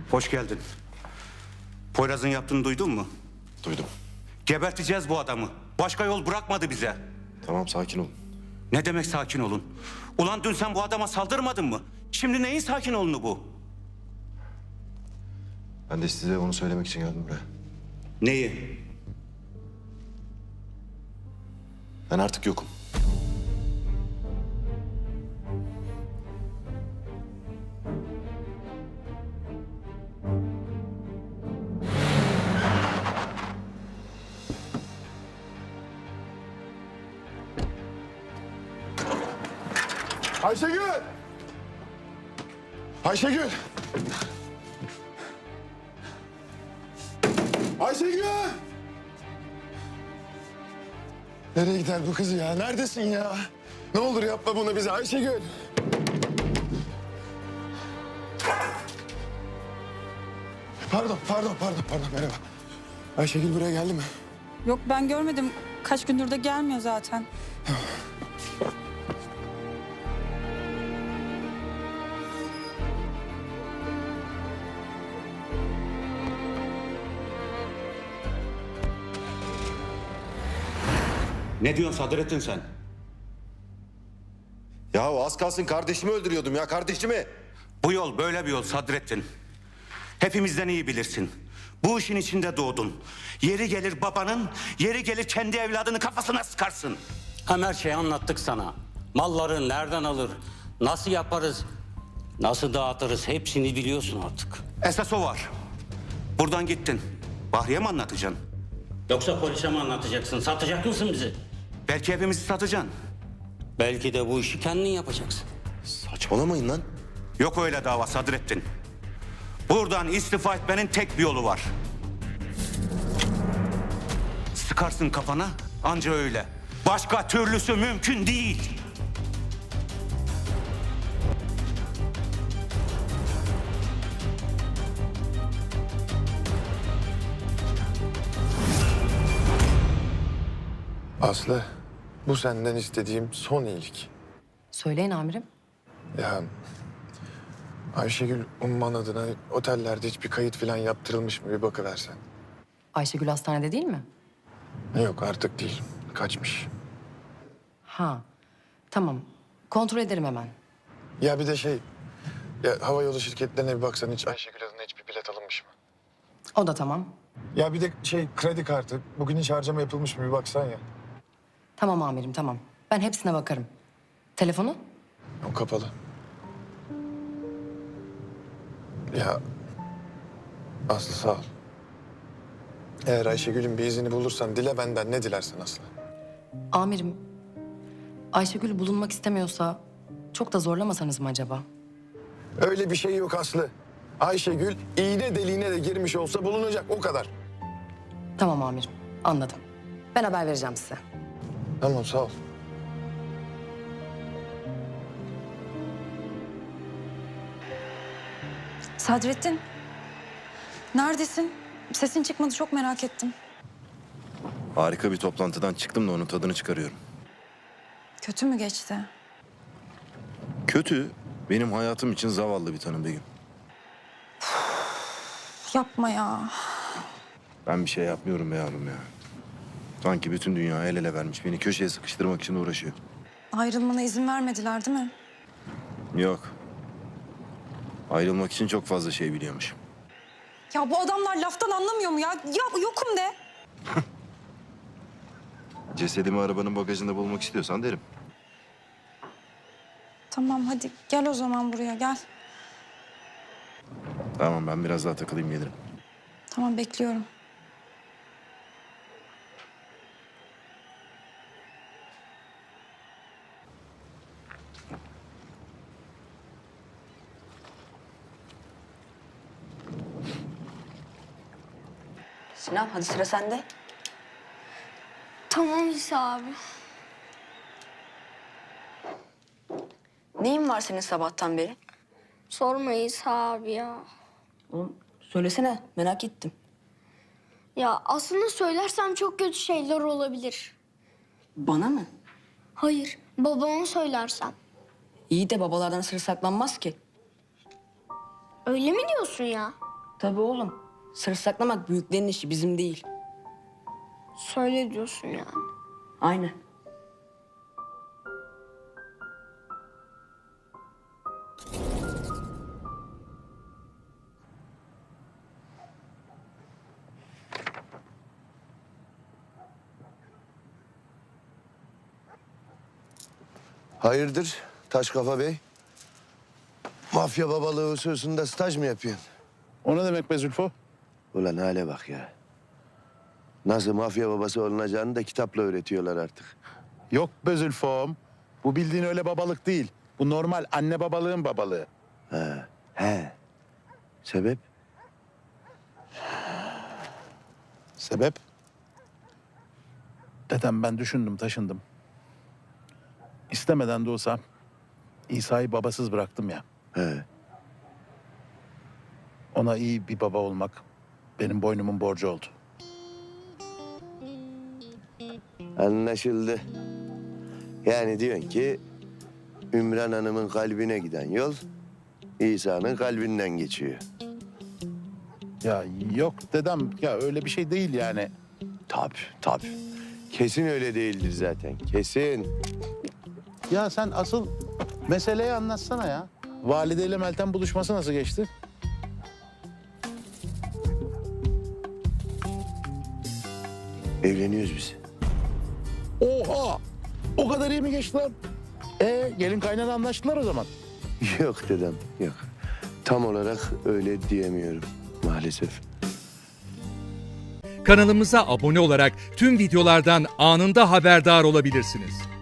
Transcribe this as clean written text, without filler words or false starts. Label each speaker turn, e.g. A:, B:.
A: Hoş geldin. Poyraz'ın yaptığını duydun mu?
B: Duydum.
A: Geberteceğiz bu adamı. Başka yol bırakmadı bize.
B: Tamam, sakin olun.
A: Ne demek sakin olun? Ulan dün sen bu adama saldırmadın mı? Şimdi neyin sakin olunu bu?
B: Ben de size onu söylemek için geldim buraya.
A: Neyi?
B: Ben artık yokum.
C: Ayşegül! Ayşegül! Ayşegül! Nereye gider bu kız ya? Neredesin ya? Ne olur yapma bunu bize Ayşegül. Pardon merhaba. Ayşegül buraya geldi mi?
D: Yok ben görmedim. Kaç gündür de gelmiyor zaten.
A: Ne diyorsun Sadrettin sen?
B: Ya az kalsın kardeşimi öldürüyordum ya, kardeşimi.
A: Bu yol böyle bir yol Sadrettin. Hepimizden iyi bilirsin. Bu işin içinde doğdun. Yeri gelir babanın, yeri gelir kendi evladını kafasına sıkarsın.
E: Hem her şeyi anlattık sana. Malları nereden alır, nasıl yaparız, nasıl dağıtırız hepsini biliyorsun artık.
A: Esas o var. Buradan gittin. Bahriye mi anlatacaksın?
E: Yoksa polise mi anlatacaksın, satacak mısın bizi?
A: Belki hepimizi satacaksın.
E: Belki de bu işi kendin yapacaksın.
B: Saçmalamayın lan.
A: Yok öyle dava Sadrettin. Buradan istifa etmenin tek bir yolu var. Sıkarsın kafana, anca öyle. Başka türlüsü mümkün değil.
C: Aslı, bu senden istediğim son iyilik.
F: Söyleyin amirim.
C: Ya Ayşegül Umman adına otellerde hiçbir kayıt falan yaptırılmış mı bir bakıversen.
F: Ayşegül hastanede değil mi?
C: Yok artık değil. Kaçmış.
F: Ha. Tamam. Kontrol ederim hemen.
C: Ya bir de ya havayolu şirketlerine bir baksan hiç Ayşegül adına hiçbir bilet alınmış mı?
F: O da tamam.
C: Ya bir de kredi kartı bugün hiç harcama yapılmış mı bir baksan ya.
F: Tamam amirim tamam. Ben hepsine bakarım. Telefonu?
C: O kapalı. Ya Aslı sağ ol. Eğer Ayşegül'ün bir izini bulursan dile benden ne dilersen Aslı.
F: Amirim, Ayşegül bulunmak istemiyorsa çok da zorlamasanız mı acaba?
C: Öyle bir şey yok Aslı. Ayşegül iğne deliğine de girmiş olsa bulunacak o kadar.
F: Tamam amirim, anladım. Ben haber vereceğim size.
C: Tamam sağ ol.
D: Sadrettin. Neredesin? Sesin çıkmadı çok merak ettim.
B: Harika bir toplantıdan çıktım da onun tadını çıkarıyorum.
D: Kötü mü geçti?
B: Kötü, benim hayatım için zavallı bir tanım Begüm.
D: Yapma ya.
B: Ben bir şey yapmıyorum be yavrum ya. Sanki bütün dünya el ele vermiş, beni köşeye sıkıştırmak için uğraşıyor.
D: Ayrılmana izin vermediler değil mi?
B: Yok. Ayrılmak için çok fazla şey biliyormuş.
D: Ya bu adamlar laftan anlamıyor mu ya? Ya yokum de.
B: Cesedimi arabanın bagajında bulmak istiyorsan derim.
D: Tamam hadi gel o zaman buraya gel.
B: Tamam, ben biraz daha takılayım gelirim.
D: Tamam bekliyorum.
F: Sinan hadi sıra sende.
G: Tamam İsa abi.
F: Neyin var senin sabahtan beri?
G: Sorma İsa abi ya.
F: Oğlum söylesene merak ettim.
G: Ya aslında söylersem çok kötü şeyler olabilir.
F: Bana mı?
G: Hayır, babama söylersem.
F: İyi de babalardan sır saklanmaz ki.
G: Öyle mi diyorsun ya?
H: Tabii oğlum. Sır saklamak büyüklerin işi, bizim değil.
G: Söyle diyorsun yani.
H: Aynen.
I: Hayırdır Taş Kafa Bey? Mafya babalığı hususunda staj mı yapıyorsun?
J: O ne demek be Zülfü?
I: Ulan hale bak ya. Nasıl mafya babası olunacağını da kitapla öğretiyorlar artık.
J: Yok be Zülfü'm. Bu bildiğin öyle babalık değil. Bu normal anne babalığın babalığı.
I: He. Sebep?
J: Sebep? Dedem ben düşündüm taşındım. İstemeden de olsa İsa'yı babasız bıraktım ya.
I: He.
J: Ona iyi bir baba olmak benim boynumun borcu oldu.
I: Anlaşıldı. Yani diyorsun ki Ümran Hanım'ın kalbine giden yol İsa'nın kalbinden geçiyor.
J: Ya yok dedem ya öyle bir şey değil yani.
I: Tabii. Kesin öyle değildir zaten. Kesin.
J: Ya sen asıl meseleyi anlatsana ya. Valideyle Meltem buluşması nasıl geçti?
I: Evleniyoruz biz.
J: Oha! O kadar iyi mi geçti lan? Gelin kaynana anlaştılar o zaman.
I: Yok dedem, yok. Tam olarak öyle diyemiyorum maalesef.
K: Kanalımıza abone olarak tüm videolardan anında haberdar olabilirsiniz.